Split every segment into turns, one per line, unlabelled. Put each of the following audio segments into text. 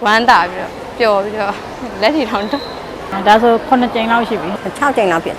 ဝမ်းသာပြီးတော့ပျော်ပြီးတော့လက်ထီထောင်တော့
ဒါဆို9ကြိမ်လောက်ရှိပြီ
6ကြိမ်လောက်ဖြစ်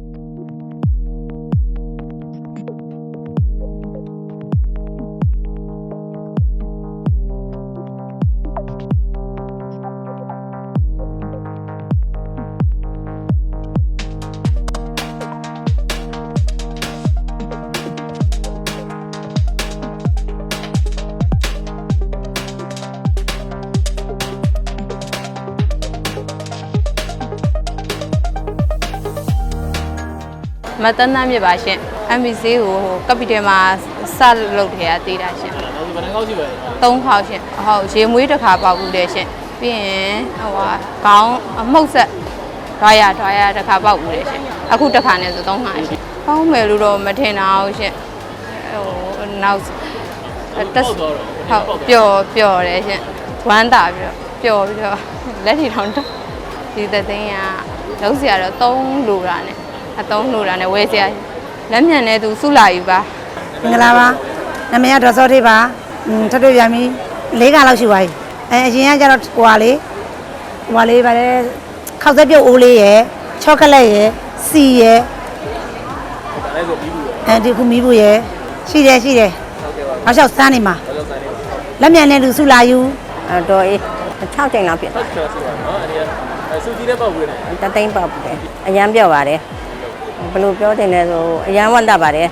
မတန်းတန်းမြစ်ပါရှင် MBC ကိုကပီတယ်မှာစလုပ်ထဲကတည်တာရှင်
ဘယ်နှခေါက်ရှိပါလဲ
3ခေါက်ရှင်ဟုတ်ရေမွေးတစ်ခါပေါက်ဘူးတယ်ရှင်ပြီးရင်ဟိုခေါင်းအမှုတ်ဆက်ဒွားရတစ်ခါပေါက်ဘူးတယ်ရှင်အခုတစ်ခါနဲ့ဆို3ခါရှင်ပေါင်းမယ်လို့တော့မထင်တာဟုတ်ရှင်ဟိုနောက်တက်ဟုတ်ပျော်တယ်ရှင်ဝမ်းသာပြီးတော့ပျော်ပြီးတော့လက်ထီထောင်တော့ဒီသသိန်းကလုံးစရာတော့3လိုတာနဲ့3လိုတာနဲ့ဝယ်စရာလက်မြန်နဲ့သူစုလာယူပါ
မင်္ဂလာပါနာမည်ကဒေါ်စောသေးပါထပ်တွေ့ပြန်ပြီ4ခါလောက်ရှိပါပြီအရင်ကကျတော့ဟိုဟာလေးပါလေခောက်သက်ပြုတ်အိုးလေးရယ်ချောကလက်ရယ်စီရယ်
ဒါလည်းဆိုပြီးဘူးရ
ဒီခုမီးဘူးရယ်ရှိတယ်ဟုတ်ကဲ့ပါနောက်လျှောက်စမ်းနေမှာလက်မြန်နဲ့လူစုလာယူတော့အေး6ကြိမ်လောက်ဖြစ်
ဟုတ်ကဲ့ဆိုပါတော့အဲ့ဒီစူကြီးတဲ့ပေါက်ဝင်တယ်
တသိန်းပေါက်တယ်အရန်ပြော့ပါတယ်ဘယ်လိုပြောတင်လဲဆိုအရန်ဝတ်တတ်ပါတယ်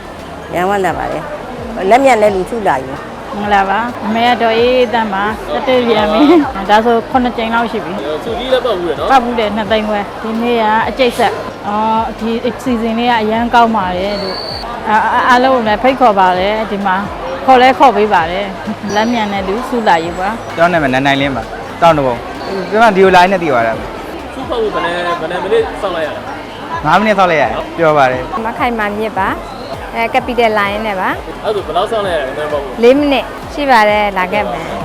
လက်မြန်နဲ့လူစုလာယူ
မင်္ဂလာပါအမေကတော့အေးတန်းပါတက်တွေ့ပြန်ပြီဒါဆို9ကြိမ်လောက်ရှိပြီ
စူကြီးလည်းပေါက်ဝင်နော်
ပေါက်ဘူးတယ်2သိန်းခွဲဒီနေ့ကအကျိတ်ဆက်ဒီ season လေးကအရန်ကောင်းပါတယ်လို့အားလုံးလည်းဖိတ်ခေါ်ပါတယ်ဒီမှာခေါ်ပေးပါတယ်လက်မြန်နဲ့လူစုလာယူပါ
ကျွန်တော်နာမည်နိုင်လင်းပါတောင်းတဘုံကျွန်တော်ဒီလို line နဲ့တည်သွားတာ
စူဖောက်ဖို့ဘယ်နဲ့မိနစ်စောင့်လိုက်ရလဲ
9မိနစ်စောင့်လိုက်ရတယ်ပြောပါတယ်
မခိုင်မာမြစ်ပါကပီတယ်လိုင်းနဲ့ပါ
အဲ့ဒါဆိုဘယ်လောက်စောင့်လိုက်ရလဲအဲ့ဒါပေါ့
4မိနစ်ရှိပါတယ်လာခဲ့မယ်